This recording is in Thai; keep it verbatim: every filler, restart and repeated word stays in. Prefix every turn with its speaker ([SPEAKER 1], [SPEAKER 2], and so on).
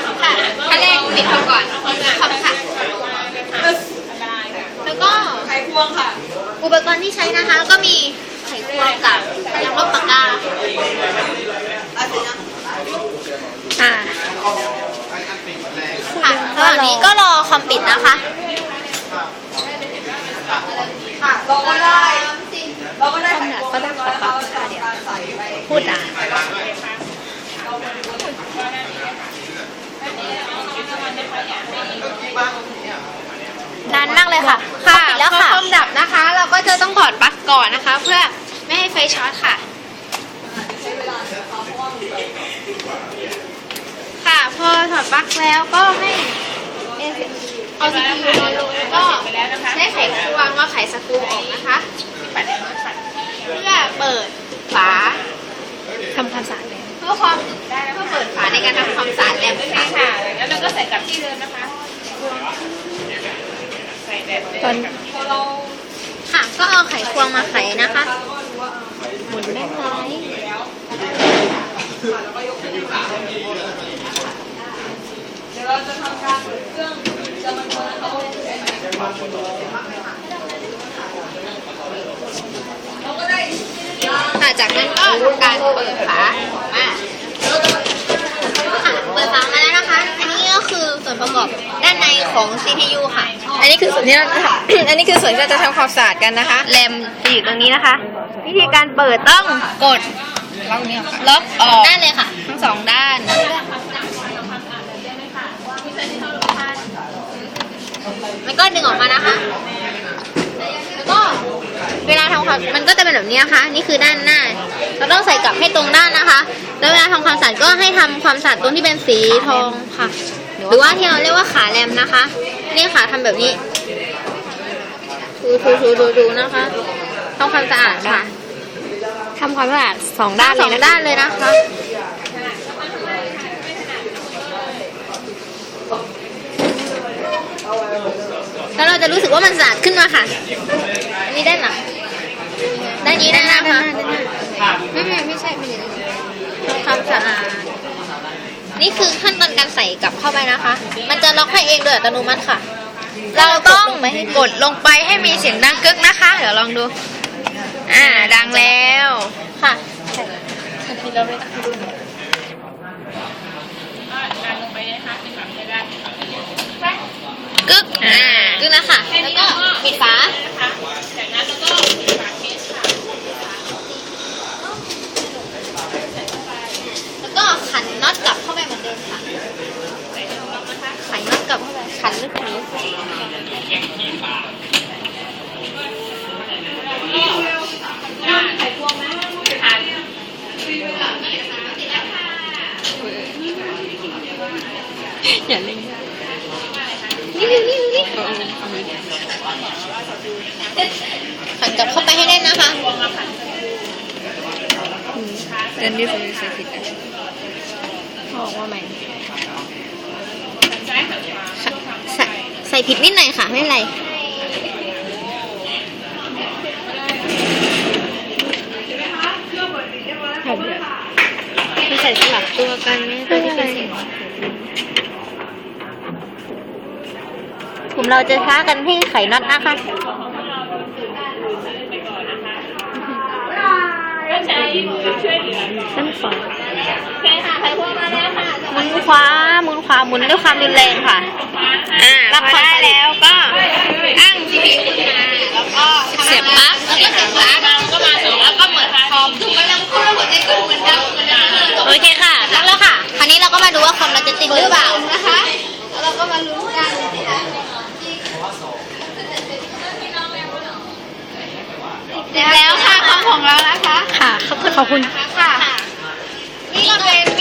[SPEAKER 1] ค่ะขั้นแรกปิดเขาก่อนคอมค่ะแล้วก็ไขควงค่ะอุปกรณ์ที่ใช้นะคะก็มีไขควงกับยางลบปากกาค่ะค่ะระหว่างนี้ก็รอคอมปิดนะคะค่ะเราก็ได้เราก็ได้ไขควงก็ได้ขอปรับค่ะเดี๋ยวพูดอ่ะนานมากเลยค่ะค่ะแล้วค่ะพอคอมดับนะคะ เราก็จะต้องถอดปลั๊กก่อนนะคะ เพื่อไม่ให้ไฟช็อตค่ะค่ะพอถอดปลั๊กแล้วก็ให้เอาซีพียูลงแล้วก็ใช้ไขควงมาไขสกรูออกนะคะเพื่อเปิดฝาทำความสะอาดเพื่อความเพื่อเปิดฝาในการทำความสะอาดแลมค่ะแล้วเราก็ใส่กลับที่เดิมนะคะตอนค่ะก็เอาไขควงมาไขนะคะหมุนได้ไหมเดี๋ยวเราจะทำการเปิดเครื่องจะมันคนละตัวค่ะจากนั้นก็ทำการเปิดฝามาค่ะเปิดฝามาแล้วนะคะอันนี้ก็คือส่วนประกอบด้านในของ ซี พี ยู ค่ะ
[SPEAKER 2] อันนี้คือส่วนที่เราอันนี้คือส่วนที่เราจะทำความสะอาดกันนะคะ
[SPEAKER 1] แรมจะอยู่ตรงนี้นะคะวิธีการเปิดต้องกดล็อกออกด้านเลยค่ะทั้งสองด้านแล้วก็ดึงออกมานะคะแล้วก็เวลาทำความมันก็จะเป็นแบบนี้นะคะนี่คือด้านหน้าเราต้องใส่กลับให้ตรงด้านนะคะแล้วเวลาทำความสะอาดก็ให้ทำความสะอาดตรงที่เป็นสีทองค่ะหรือว่าที่เราเรียกว่าขาแรมนะคะนี่ค่ะทำแบบนี้ถูถูถูถูถูนะคะทำความสะอาดค่ะทำความสะอาดสองด้านสองด้านเลยนะคะแล้วเราจะรู้สึกว่ามันสะอาดขึ้นมาค่ะอันนี้ด้านหลังด้านนี้ด้านหน้าค่ะไม่ไม่ไม่ใช่ไม่ใช่ทำความสะอาดนี่คือขั้นตอนการใส่กลับเข้าไปนะคะมันจะล็อกให้เองโดยอัตโนมัติค่ะ
[SPEAKER 2] เราต้องกดลงไปให้มีเสียงดังกึกนะคะเดี๋ยวลองดูอ่าดังแล้ว
[SPEAKER 1] ค่ะ
[SPEAKER 2] กึกอ่ากึก
[SPEAKER 1] แล้วค่ะแล้วก็ปิดฝาจากนั้นแล้วก็ฝาเคสค่ะแล้วก็ขันน็อตกลับเข้าไปเหมือนเดิมค่ะขันน็อตกลับเข้าไปขันลึกนี้ไขควงนะขัน
[SPEAKER 2] อย่าเล่น
[SPEAKER 1] นี่นี่นี่นี่ขันกลับเข้าไปให้ได้นะคะ
[SPEAKER 2] เรื่องนี้ผมใส่ผิดนะ
[SPEAKER 1] บอกว่าใหม่ใส่ใส่ผิดนิดหน่อยค่ะไม่เป็นไรใส่สลับตัวกันไหมตัวที่เป็นสีผมเราจะท้ากันให้ไขน็อตนะคะด้านขวาใช่ค่ะไขควงมาแล้วค่ะหมุนขวาหมุนขวาหมุนด้วยความรุนแรงค่ะ
[SPEAKER 2] อ่ารับพอได้แล้วก็
[SPEAKER 1] ตั้ง ซี พี ยู ขึ้นมาแล้วก็
[SPEAKER 2] เสียบปลั๊ก
[SPEAKER 1] แล้วก็เสียบปลั๊กก็มาส่งแล้วก็เปิดคอมถูกกำลังพูดหัวใจก็เหมือนเดิม
[SPEAKER 2] โอเคค่ะ
[SPEAKER 1] ตั้งแล้วค่ะคราวนี้เราก็มาดูว่าคอมเราจะติดหรือเปล่านะคะแล้วเราก็มาลุ้นกันติดแล้วค่ะคอมของเรานะคะ
[SPEAKER 2] ค่ะขอบคุณ
[SPEAKER 1] ค่ะนี่ก็เป็น